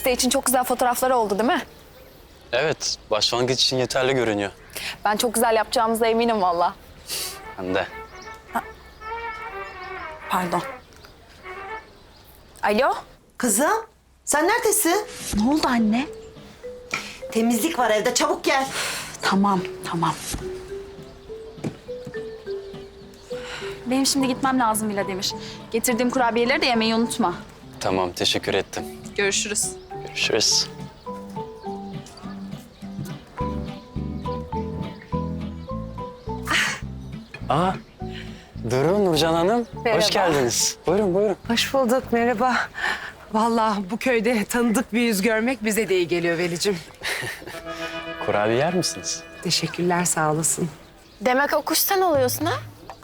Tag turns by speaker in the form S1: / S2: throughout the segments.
S1: Site için çok güzel fotoğrafları oldu değil mi?
S2: Evet, başlangıç için yeterli görünüyor.
S1: Ben çok güzel yapacağımıza eminim valla.
S2: Ben de.
S1: Pardon. Alo?
S3: Kızım, sen neredesin?
S1: Ne oldu anne?
S3: Temizlik var evde, çabuk gel.
S1: Tamam, tamam. Benim şimdi gitmem lazım Vladimir. Getirdiğim kurabiyeleri de yemeyi unutma.
S2: Tamam, teşekkür ettim.
S1: Görüşürüz.
S2: Görüşürüz. Aa, Duru, Nurcan Hanım.
S1: Merhaba.
S2: Hoş geldiniz. Buyurun, buyurun.
S4: Hoş bulduk, merhaba. Vallahi bu köyde tanıdık bir yüz görmek bize de iyi geliyor Velicim.
S2: Kurabiye yer misiniz?
S4: Teşekkürler, sağ olasın.
S1: Demek o kuş sen oluyorsun ha?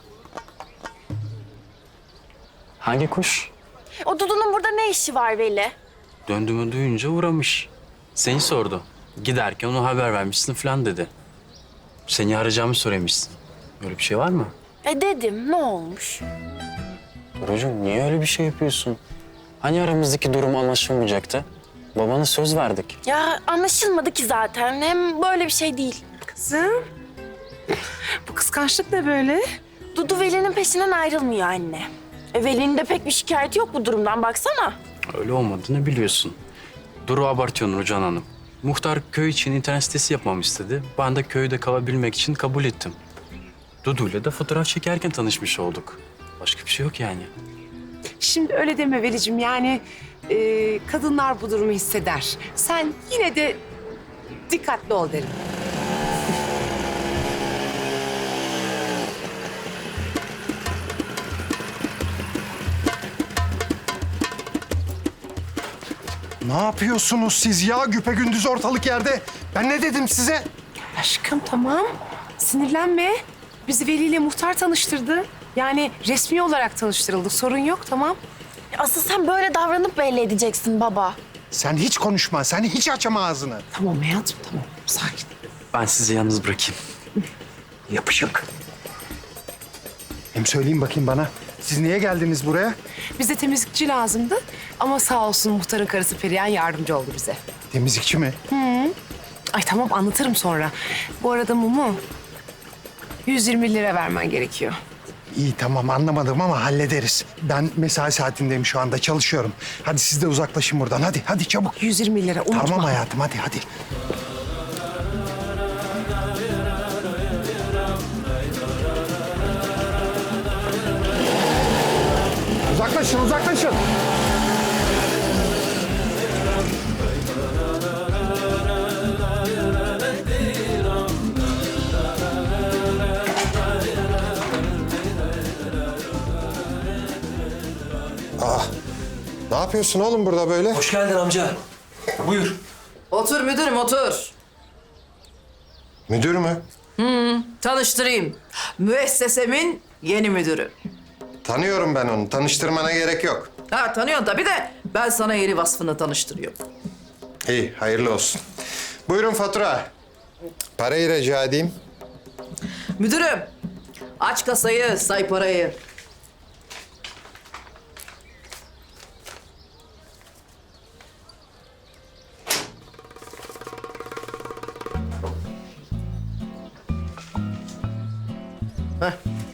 S2: Hangi kuş?
S1: O Dudu'nun burada ne işi var Veli?
S2: Döndüğümü duyunca uğramış. Seni sordu. Giderken ona haber vermişsin falan dedi. Seni arayacağımı söylemişsin. Böyle bir şey var mı?
S1: Dedim, ne olmuş?
S2: Durucuğum, niye öyle bir şey yapıyorsun? Hani aramızdaki durum anlaşılmayacaktı? Babana söz verdik.
S1: Ya anlaşılmadı ki zaten. Hem böyle bir şey değil.
S4: Kızım, bu kıskançlık ne böyle?
S1: Dudu Veli'nin peşinden ayrılmıyor anne. Veli'nin de pek bir şikayeti yok bu durumdan, baksana.
S2: Öyle olmadığını biliyorsun. Duru abartıyor Nurcan Hanım. Muhtar köy için internet sitesi yapmamı istedi. Ben de köyde kalabilmek için kabul ettim. Dudu'yla da fotoğraf çekerken tanışmış olduk. Başka bir şey yok yani.
S4: Şimdi öyle deme Velicim, yani kadınlar bu durumu hisseder. Sen yine de dikkatli ol derim.
S5: Ne yapıyorsunuz siz ya güpegündüz ortalık yerde? Ben ne dedim size?
S4: Aşkım tamam, sinirlenme. Bizi Veli ile muhtar tanıştırdı. Yani resmi olarak tanıştırıldık, sorun yok, tamam.
S1: Asıl sen böyle davranıp belli edeceksin baba.
S5: Sen hiç konuşma, sen hiç açma ağzını.
S4: Tamam hayatım, tamam, sakin.
S2: Ben sizi yalnız bırakayım.
S5: Yapışık. Hem söyleyin bakayım bana, siz niye geldiniz buraya?
S4: Bize temizlikçi lazımdı ama sağ olsun muhtarın karısı Perihan yardımcı oldu bize.
S5: Temizlikçi mi?
S4: Ay tamam, anlatırım sonra. Bu arada Mumu, 120 lira vermen gerekiyor.
S5: İyi tamam anlamadım ama hallederiz. Ben mesai saatindeyim şu anda, çalışıyorum. Hadi siz de uzaklaşın buradan, hadi çabuk.
S4: 120 lira, unutma.
S5: Tamam hayatım, hadi. Uzaklaşın.
S6: Ne yapıyorsun oğlum burada böyle?
S7: Hoş geldin amca. Buyur.
S8: Otur müdürüm, otur.
S6: Müdür mü?
S8: Tanıştırayım. Müessesemin yeni müdürü.
S6: Tanıyorum ben onu. Tanıştırmana gerek yok.
S8: Ha, tanıyorsun tabii de ben sana yeni vasfını tanıştırıyorum.
S6: İyi, hayırlı olsun. Buyurun fatura. Parayı rica edeyim.
S8: Müdürüm, aç kasayı, say parayı. Heh.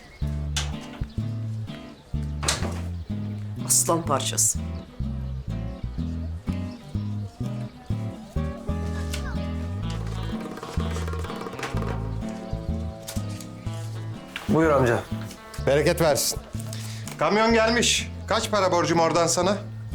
S8: Aslan parçası.
S7: Buyur amca.
S6: Bereket versin. Kamyon gelmiş. Kaç para borcum oradan sana?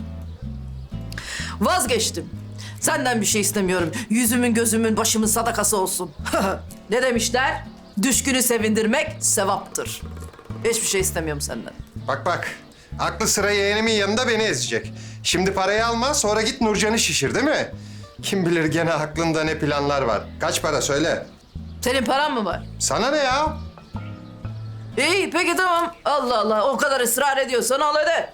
S8: Vazgeçtim. Senden bir şey istemiyorum. Yüzümün, gözümün, başımın sadakası olsun. Ne demişler? Düşkünü sevindirmek sevaptır. Hiçbir şey istemiyorum senden.
S6: Bak. Aklı sıra yeğenimin yanında beni ezecek. Şimdi parayı alma, sonra git Nurcan'ı şişir değil mi? Kim bilir gene aklında ne planlar var. Kaç para söyle.
S8: Senin paran mı var?
S6: Sana ne ya?
S8: İyi, peki tamam. Allah Allah, o kadar ısrar ediyorsan al hadi.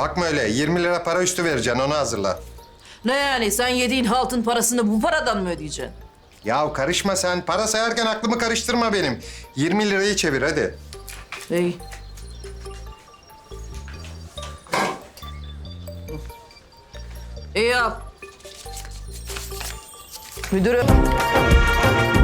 S6: Bakma öyle 20 lira para üstü vereceksin onu hazırla.
S8: Ne yani sen yediğin haltın parasını bu paradan mı ödeyeceksin?
S6: Ya karışma sen. Para sayarken aklımı karıştırma benim. 20 lirayı çevir hadi.
S8: İyi. İyi al. Müdürüm.